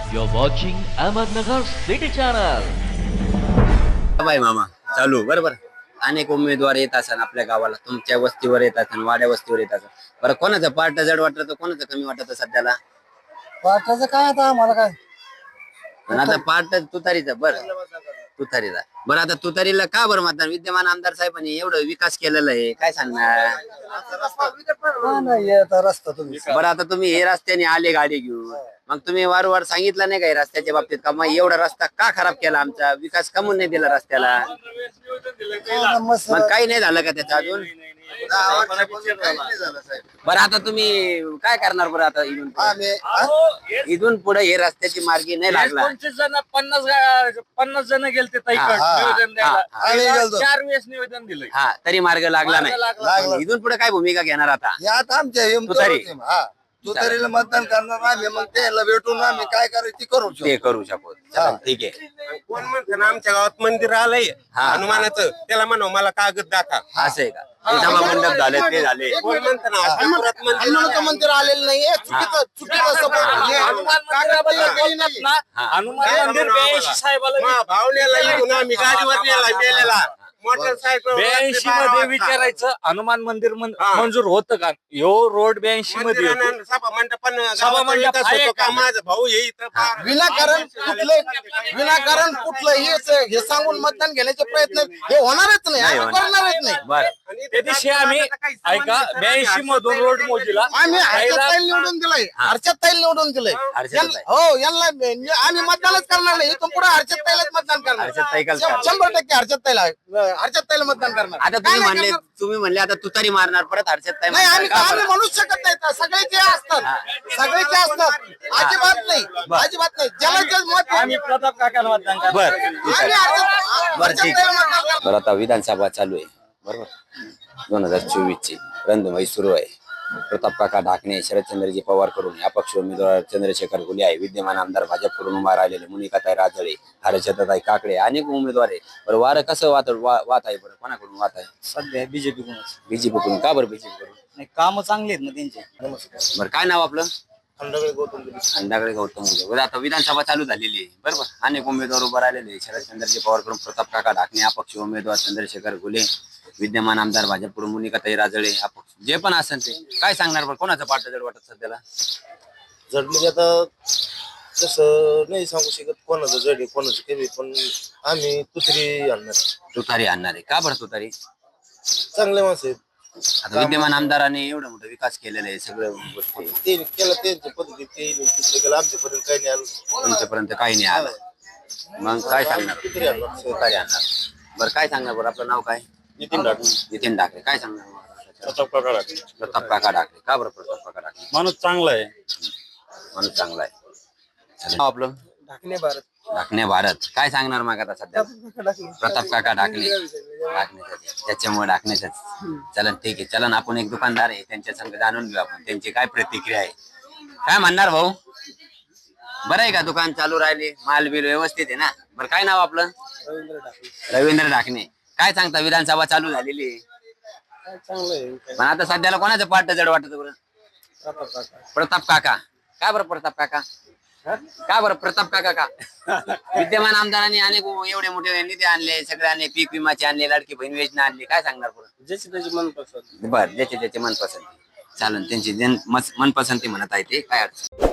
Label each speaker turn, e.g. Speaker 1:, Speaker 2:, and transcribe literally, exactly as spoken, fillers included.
Speaker 1: You're watching Ahmednagar City Channel.
Speaker 2: Bye मामा चालू बरोबर. अनेक उमेदवार येत असतात आपल्या गावाला, तुमच्या वस्तीवर येत असतात, वाड्या वस्तीवर येत असतात. बरं कोणाचं पार्ट जड वाटतं, कोणाचं कमी वाटतं सध्याला?
Speaker 3: पाठाचं काय आता आम्हाला काय
Speaker 2: पण आता पार्ट तुतारीचं. बरं तुतारीचा. बरं आता तुतारीला का बरं मतदान? विद्यमान आमदार साहेबांनी एवढं विकास केलेला आहे, काय सांगणार?
Speaker 3: हा नाही आता रस्ता तुम्ही
Speaker 2: बरं आता तुम्ही हे रस्त्याने आले गाडी घेऊन, मग तुम्ही वारंवार सांगितलं नाही का हे रस्त्याच्या बाबतीत का मग एवढा रस्ता का खराब केला, आमचा विकास कमून नाही दिला रस्त्याला?
Speaker 3: मस्त
Speaker 2: मग काही नाही झालं का त्याचं अजून? बरं आता तुम्ही काय करणार बरं आता इथून पुढं?
Speaker 3: आम्ही हा?
Speaker 2: इथून पुढे हे रस्त्याची मार्गी नाही लागला.
Speaker 4: पंचवीस जण पन्नास गा- पन्नास जण गेलते ताईकडे
Speaker 2: हा,
Speaker 4: निवेदन द्यायला.
Speaker 2: हा,
Speaker 3: आम्ही
Speaker 4: त्याला
Speaker 3: गेलतो.
Speaker 4: चार वेळेस निवेदन दिलंय.
Speaker 2: हा तरी मार्ग लागला
Speaker 4: मार्ग लागला.
Speaker 2: नाही.
Speaker 3: लागला.
Speaker 2: इथून पुढे काय भूमिका घेणार आता?
Speaker 3: यात आमच्या हे
Speaker 2: तुतारी.
Speaker 3: हा तुतारीला मतदान करणार आम्ही, मग त्याला भेटून आम्ही काय करायचं ते करू शकतो.
Speaker 2: ते करू शकतो. चला, ठीक आहे.
Speaker 5: कोण म्हणतं ना आमच्या गावात मंदिर आलंय
Speaker 2: हा.
Speaker 5: हनुमानाचं, त्याला म्हणू मला कागद दाखवा.
Speaker 2: असं आहे का? ते सभा मंडप झाले ते झाले.
Speaker 5: कोण म्हणतं ना अष्टपुरात मंदिर
Speaker 3: हनुमानाचं मंदिर आलेलं नाहीये, चुकीचं चुकीचं support आहे.
Speaker 4: हनुमान मंदिराबद्दल बोलतात ना,
Speaker 2: हा.
Speaker 4: हनुमान मंदिर ब्याऐंशी साहेबाला
Speaker 5: मा भावनेला येऊन आम्ही गाडीवर नेला मेलेला मोटरसायकल
Speaker 4: ब्याऐंशी मध्ये विचारायचं हनुमान मंदिर मन-
Speaker 5: हा.
Speaker 4: मंजूर होतं का? ह्यो रोड ब्याऐंशी मध्ये येतो.
Speaker 5: मंदिरानं सभा मंडपानं
Speaker 4: सभा
Speaker 5: गावाचा
Speaker 4: मंडप
Speaker 5: विकास
Speaker 4: आहे
Speaker 5: होतो
Speaker 4: का?
Speaker 5: का? माझा भाऊ हे इथं फार-
Speaker 3: विनाकारण कुठले विनाकारण कुठलंही असं हे सांगून मतदान घेण्याचे प्रयत्न हे होणारच नाही,
Speaker 2: नाही
Speaker 3: आम्ही
Speaker 2: होणार.
Speaker 3: करणारच नाही.
Speaker 2: बरं
Speaker 5: आणि
Speaker 4: त्या दिवशी आम्ही ऐका ब्याऐंशी मधून रोड मोजीला
Speaker 3: आम्ही हर्षद
Speaker 4: पहिला-
Speaker 3: ताईल निवडून दिलंय, हर्षद ताईल निवडून दिलंय.
Speaker 2: हर्षद
Speaker 3: यांना-
Speaker 2: ताई.
Speaker 3: हो यांना आम्ही मतदानच करणार नाही, इथून पुढे हर्षद ताईलाच मतदान करणार.
Speaker 2: हर्षद ताईलाच करणार.
Speaker 3: शंभर टक्के हर्षद ताईला हर्षद ताईला मतदान करणार.
Speaker 2: आता
Speaker 3: काय
Speaker 2: तुम्ही
Speaker 3: नाही
Speaker 2: म्हणले
Speaker 3: करणार?
Speaker 2: तुम्ही म्हणले आता तुतारी मारणार परत हर्षद ताई
Speaker 3: नाही
Speaker 2: म्हणताय
Speaker 3: आम्ही
Speaker 2: का
Speaker 3: आम्ही
Speaker 2: बरं?
Speaker 3: म्हणूच शकत नाही, सगळेचे असतात सगळेचे असतात, अजिबात नाही अजिबात नाही. ज्याला जे मत
Speaker 4: आम्ही प्रताप काकाला मतदान करणार.
Speaker 2: बरं
Speaker 3: आम्ही हर्षद-
Speaker 2: बरं
Speaker 3: हर्षद
Speaker 2: ठीक
Speaker 3: ताईला मतदान करणार.
Speaker 2: बरं आता विधानसभा चालू आहे बरोबर. दोन हजार चोवीस ची रंधुमाई सुरू आहे. प्रताप काका ढाकणे, शरदचंद्रजी पवार कडून अपक्ष उमेदवार चंद्रशेखर घुले आहे. विद्यमान आमदार भाजपकडून उभा राहिलेले मुनिकाताई राजळे, हर्षदाताई काकडे, अनेक उमेदवार आहे. बरं वारं कसं वात वा- वात आहे बरं, कोणाकडून वात आहे?
Speaker 6: सध्या बीजेपी कोणच
Speaker 2: बीजेपी कडून. का बरं बीजेपी कडून?
Speaker 6: नाही, काम चांगली आहेत ना त्यांचे.
Speaker 2: बरं काय नाव आपलं?
Speaker 3: खंडागळे गौतम गिरी.
Speaker 2: खंडाकडे गौतम मुले. बरं आता विधानसभा चालू झालेली आहे बरोबर. अनेक उमेदवार उभा राहिलेले आहे. शरदचंद्रजी पवार कडून प्रताप काका ढाकणे, अपक्ष उमेदवार चंद्रशेखर घुले, विद्यमान आमदार भाजपकडून मुनिकाताई राजळे, अपक्ष जे पण असेल ते काय सांगणार बरं, कोणाचं पाठ जड वाटत सध्याला?
Speaker 7: जड म्हणजे आता तसं नाही सांगू शकत कोणाचं जड आहे कोणाचं कमी, पण आम्ही तुतरी आणणार.
Speaker 2: तुतारी आणणार आहे. का बरं तुतारी?
Speaker 7: चांगले माणसं आहेत.
Speaker 2: आता विद्यमान आमदारांनी एवढं मोठं विकास केलेला आहे, सगळं गोष्टी
Speaker 7: ते केलं त्यांच्या पद्धतीने ते तिथलं केलं, आमच्यापर्यंत काही नाही आलं.
Speaker 2: तुमच्यापर्यंत काही नाही आलं. मग काय सांगणार?
Speaker 7: तुतरी आणणार.
Speaker 2: तुतारी आणणार. बरं काय सांगणार बरं, आपलं नाव काय?
Speaker 7: नितीन ढाकणे.
Speaker 2: नितीन ढाकरे. काय सांगणार?
Speaker 4: प्रताप काका ढाकणे.
Speaker 2: प्रताप काका ढाकरे. का बरं प्रताप काका ढाकरे?
Speaker 4: माणूस चांगला आहे.
Speaker 2: माणूस चांगला आहे. चालेल. नाव आपलं?
Speaker 3: ढाकणे भारत.
Speaker 2: ढाकणे भारत. काय सांगणार मग आता सध्या? प्रताप काका ढाकणे. ढाकण्याचं त्याच्यामुळे ढाकण्याच. चलन ठीक आहे. चलन आपण एक दुकानदार आहे, त्यांच्या संग जाणून घेऊ आपण त्यांची काय प्रतिक्रिया आहे. काय म्हणणार भाऊ? बरं आहे का, दुकान चालू राहिले, माल बिल व्यवस्थित आहे ना? बरं काय नाव आपलं? रवींद्र ढाकणे. काय सांगता, विधानसभा चालू झालेली आहे
Speaker 7: चांगलं आहे.
Speaker 2: पण आता सध्याला कोणाचं पाठ जड वाटत बरं? प्रताप काका. का बरं प्रताप काका? का बरं प्रताप काका का? विद्यमान आमदारांनी अनेक एवढे मोठे निधी आणले, सगळे आणले, पीक विमाचे आणले, लाडकी बहीण योजना आणली. काय सांगणार बरं?
Speaker 7: ज्याची त्याची मनपसंत.
Speaker 2: बर ज्याचे त्याचे मनपसंती. चालन, त्यांची जन- मस- मनपसंती म्हणत आहे ते काय अडचण